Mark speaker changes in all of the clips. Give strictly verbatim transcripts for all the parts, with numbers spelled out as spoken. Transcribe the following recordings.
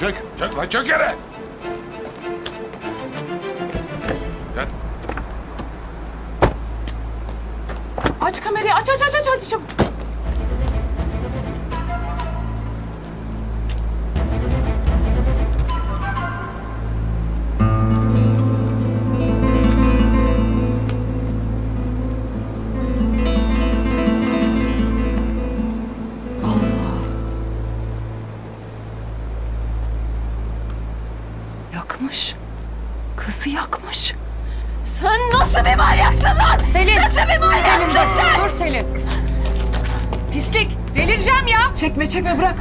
Speaker 1: Çök, çök lan çök yere. Yat.
Speaker 2: Aç kamerayı, aç aç aç aç hadi çabuk.
Speaker 3: Yakmış. Kızı yakmış. Sen nasıl bir manyaksın lan?
Speaker 2: Selin.
Speaker 3: Nasıl bir manyaksın
Speaker 2: Selin dur,
Speaker 3: sen?
Speaker 2: dur Selin. Pislik, delireceğim ya. Çekme çekme bırak.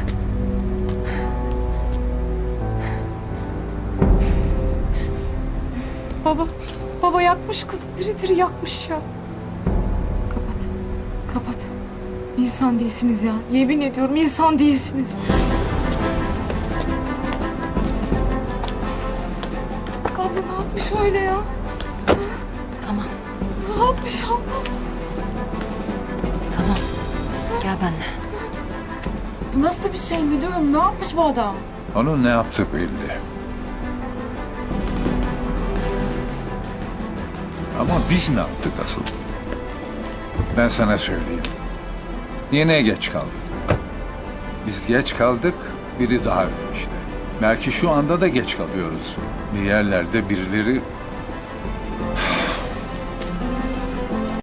Speaker 3: Baba, baba yakmış kızı diri diri yakmış ya.
Speaker 2: Kapat, kapat. İnsan değilsiniz ya. Yemin ediyorum insan değilsiniz. Abla ne yapmış öyle ya?
Speaker 3: Tamam,
Speaker 2: Ne yapmış abla?
Speaker 3: tamam. Gel benimle.
Speaker 2: Bu nasıl bir şey müdürüm? Ne yapmış bu adam?
Speaker 1: Onun ne yaptığı belli. Ama biz ne yaptık asıl? Ben sana söyleyeyim. Yine geç kaldık. Biz geç kaldık, biri daha öyle işte. Belki şu anda da geç kalıyoruz. Bir yerlerde birileri